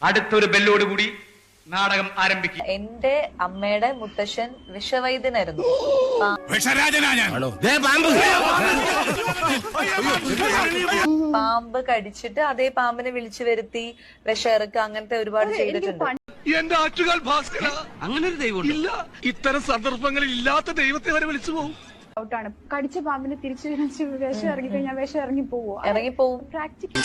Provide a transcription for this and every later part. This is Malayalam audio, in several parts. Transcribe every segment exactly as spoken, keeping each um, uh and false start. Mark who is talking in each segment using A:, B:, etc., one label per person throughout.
A: അടുത്തൊരു ബെല്ലോടുകൂടി നാടകം ആരംഭിക്കും.
B: എന്റെ അമ്മയുടെ മുത്തശ്ശൻ വിഷവൈദ്യനായിരുന്നു. പാമ്പ് കടിച്ചിട്ട് അതേ പാമ്പിനെ വിളിച്ചു വരുത്തി വിഷയിറക്കുക, അങ്ങനത്തെ ഒരുപാട് ചെയ്തിട്ടുണ്ട്.
C: എന്റെ ആറ്റുകാൽ ഭാസ്കര, അങ്ങനെ ഒരു ദൈവം ഇല്ല. ഇത്തരം സന്ദർഭങ്ങളിൽ ഇല്ലാത്ത ദൈവത്തെ വരെ വിളിച്ചു പോകും.
D: ഔട്ടാണ്. കടിച്ച പാമ്പിന് തിരിച്ചു വിഷം ഇറങ്ങി കഴിഞ്ഞാൽ വിഷം ഇറങ്ങി പോവോ?
B: ഇറങ്ങിപ്പോവും.
D: പ്രാക്ടിക്കൽ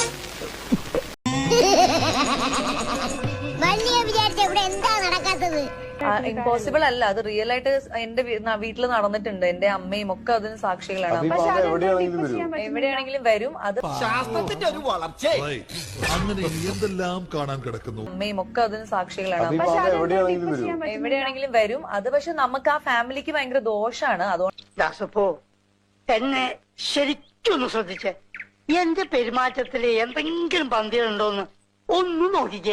B: ഇമ്പോസിബിൾ അല്ല, അത് റിയൽ ആയിട്ട് എന്റെ വീട്ടിൽ നടന്നിട്ടുണ്ട്. എന്റെ അമ്മയും ഒക്കെ അതിന് സാക്ഷികളാണ്. എവിടെയാണെങ്കിലും വരും. അത്
E: ശാസ്ത്രത്തിന്റെ ഒരു വളർച്ച അങ്ങനെ എന്തെല്ലാം കാണാൻ കിടക്കുന്നു.
B: അമ്മയും ഒക്കെ അതിന് സാക്ഷികളാണ്. എവിടെയാണെങ്കിലും വരും. അത് പക്ഷെ നമുക്ക് ആ ഫാമിലിക്ക് ഭയങ്കര ദോഷാണ്. അതുകൊണ്ട്
F: എന്നെ ശരിക്കൊന്ന് ശ്രദ്ധിച്ചേ. എന്റെ പെരുമാറ്റത്തില് എന്തെങ്കിലും പന്തികളുണ്ടോന്ന് ഒന്ന് നോക്കിക്കേ.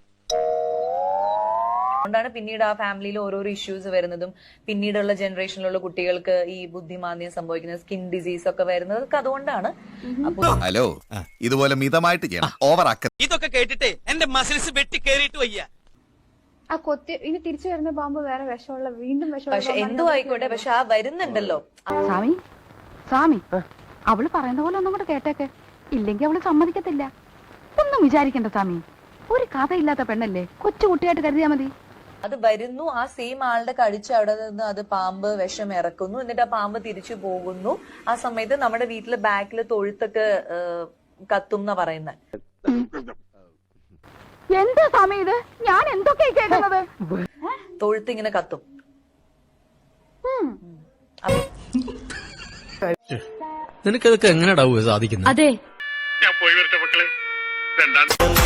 B: അതുകൊണ്ടാണ് പിന്നീട് ആ ഫാമിലിയിൽ ഓരോരോ ഇഷ്യൂസ് വരുന്നതും പിന്നീടുള്ള ജനറേഷനിലുള്ള കുട്ടികൾക്ക് ഈ ബുദ്ധിമാന്ദ്യം സംഭവിക്കുന്നത്, സ്കിൻ ഡിസീസ് ഒക്കെ വരുന്നത് അതുകൊണ്ടാണ്.
G: ഹലോ, ഇതുപോലെ മിതമായിട്ട് ചെയ്യണം, ഓവർ ആക്ക.
H: ഇതൊക്കെ കേട്ടിട്ടേ എന്റെ മസിൽസ് വെട്ടി കേറിയിട്ട് വയ്യ.
D: ആ കൊത്തി ഇനി തിരിച്ചു വരുന്ന പാമ്പ് വേറെ വിഷമുള്ള വീണ്ടും വിഷമുള്ള.
B: പക്ഷെ എന്തോ ആയിക്കോട്ടെ, പക്ഷെ ആ വരുന്നുണ്ടല്ലോ.
I: സ്വാമി സ്വാമി അവള് പറയുന്ന പോലെ ഒന്നും കൂടെ കേട്ടേക്കെ, ഇല്ലെങ്കിൽ അവള് സമ്മതിക്കത്തില്ല. ഒന്നും വിചാരിക്കണ്ട സ്വാമി, ഒരു കഥയില്ലാത്ത പെണ്ണല്ലേ, കൊച്ചു കുട്ടിയായിട്ട് കരുതിയാ മതി.
B: അത് വരുന്നു, ആ സെയിം ആളുടെ കടിച്ച് അവിടെ നിന്ന് അത് പാമ്പ് വിഷം ഇറക്കുന്നു, എന്നിട്ട് ആ പാമ്പ് തിരിച്ചു പോകുന്നു. ആ സമയത്ത് നമ്മുടെ വീട്ടില് ബാക്കില് തൊഴുത്തൊക്കെ കത്തും എന്നാ പറയുന്നത്.
I: എന്താ സ്വാമി ഇത്? ഞാൻ എന്തൊക്കെ കേൾക്കുന്നത്?
B: തൊഴുത്ത് ഇങ്ങനെ കത്തും.
H: നിനക്കതൊക്കെ എങ്ങനെയാ സാധിക്കുന്നത്?
I: അതെ,
C: ഞാൻ പോയി വരട്ടെ മക്കളെ. രണ്ടാം